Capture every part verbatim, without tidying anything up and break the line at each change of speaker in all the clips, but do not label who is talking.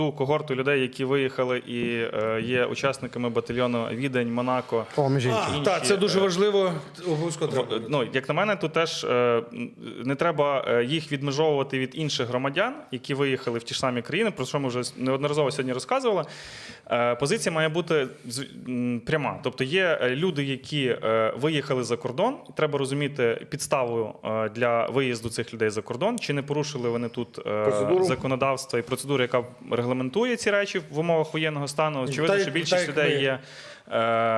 Ту когорту людей, які виїхали і е, є учасниками батальйону Відень, Монако.
О, між іншим.
інші,
Так, це дуже
е,
важливо. Обов'язково треба.
В- Ну, як на мене, то теж е, не треба е, їх відмежовувати від інших громадян, які виїхали в ті ж самі країни, про що ми вже неодноразово сьогодні розказували. Е, Позиція має бути з- м, пряма. Тобто є е, люди, які е, виїхали за кордон, і треба розуміти підставу е, для виїзду цих людей за кордон, чи не порушили вони тут е,
Процедуру.
законодавства і процедури, яка регламентує ці речі в умовах воєнного стану. Очевидно,
Так,
що більшість
так,
людей
ми-
є е,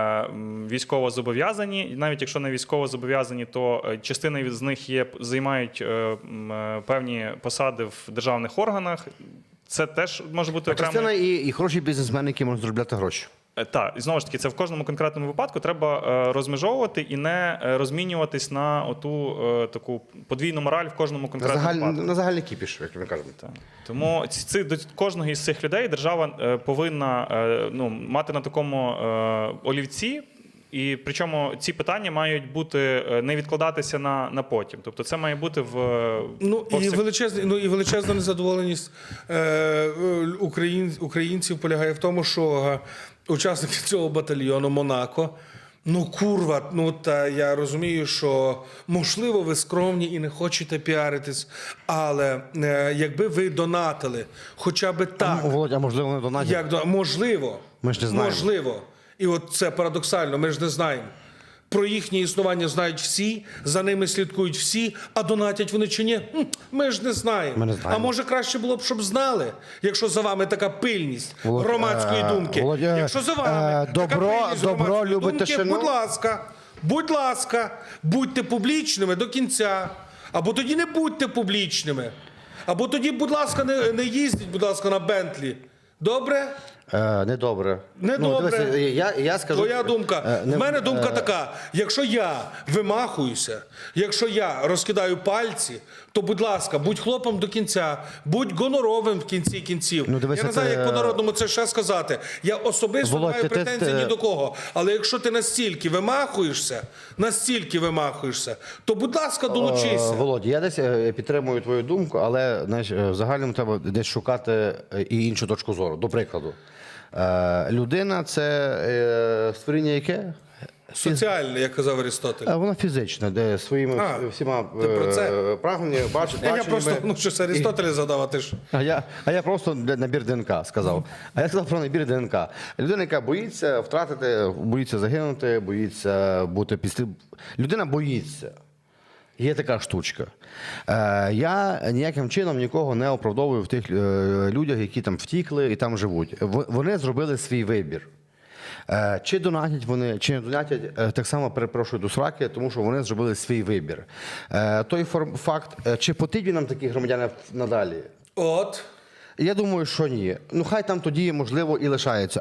м, військово зобов'язані. І навіть якщо не військово зобов'язані, то е, частина з них є займають е, м, е, певні посади в державних органах. Це теж може бути
А частина
окремий.
і, і хороші бізнесмени, які можуть заробляти гроші.
Е, Так, і знову ж таки, це в кожному конкретному випадку треба е, розмежовувати і не е, розмінюватись на оту е, таку подвійну мораль в кожному
На,
конкретному
загаль,
випадку.
на загальний кіпіш, як ми кажемо.
Так. Тому ці, ці- до кожного із цих людей держава е, повинна е, ну, мати на такому е, олівці. І причому ці питання мають бути е, не відкладатися на, на потім. Тобто це має бути в
Ну і
повсяк-
величезна, ну і величезна незадоволеність е, е, україн, українців полягає в тому, що е, учасники цього батальйону Монако. Ну, курва, ну та я розумію, що можливо ви скромні і не хочете піаритись, але е, якби ви донатили, хоча б так,
А, Володя, а можливо, не донатять?
як до можливо,
Ми ж не знаємо.
можливо, і от це парадоксально, ми ж не знаємо. Про їхнє існування знають всі, за ними слідкують всі, а донатять вони чи ні? Хм, Ми ж не знаємо.
Ми не знаємо.
А може краще було б, щоб знали, якщо за вами така пильність
Володь,
громадської
е,
думки.
Володя,
якщо за вами
е,
така
добро-
пильність
добро
громадської
любить
думки,
тишину.
будь ласка, будь ласка, будьте публічними до кінця. Або тоді не будьте публічними. Або тоді, будь ласка, не, не їздіть, будь ласка, на Бентлі. Добре?
Е, недобре.
Недобре.
Ну, дивися, я, я скажу,
Твоя думка.
е, не-
В мене думка
е,
така: якщо я вимахуюся, якщо я розкидаю пальці, то, будь ласка, будь хлопом до кінця, будь гоноровим в кінці кінців.
Ну, дивися,
я не знаю,
ти,
як по-народному це ще сказати. Я особисто
Володь,
не маю
ти- ти-
претензій
ти-
ні до кого. Але якщо ти настільки вимахуєшся, настільки вимахуєшся, то, будь ласка, долучися.
Е, Володя, я десь е, підтримую твою думку, але знаєш, е, в загальному треба десь шукати е, і іншу точку зору. До прикладу, е, людина це е, створіння яке?
Соціальне, як казав Арістотель.
Е, Вона фізична, де своїми
А,
вс- всіма
ти про це?
е, прагненнями, бач,
Я, я
баченнями.
просто, ну щось Арістотеля задав, а ти ж.
А я, а я просто для- набір ДНК сказав. А я сказав про набір ДНК. Людина, яка боїться втратити, боїться загинути, боїться бути після. Людина боїться. Є така штучка. Е, я ніяким чином нікого не оправдовую в тих е, людях, які там втікли і там живуть. В- вони зробили свій вибір. Е, Чи донатять вони, чи не донатять, е, так само перепрошую до сраки, тому що вони зробили свій вибір. Е, Той форм- факт, е, чи потрібні нам такі громадяни надалі?
От.
Я думаю, що ні. Ну хай там тоді, можливо, і лишаються.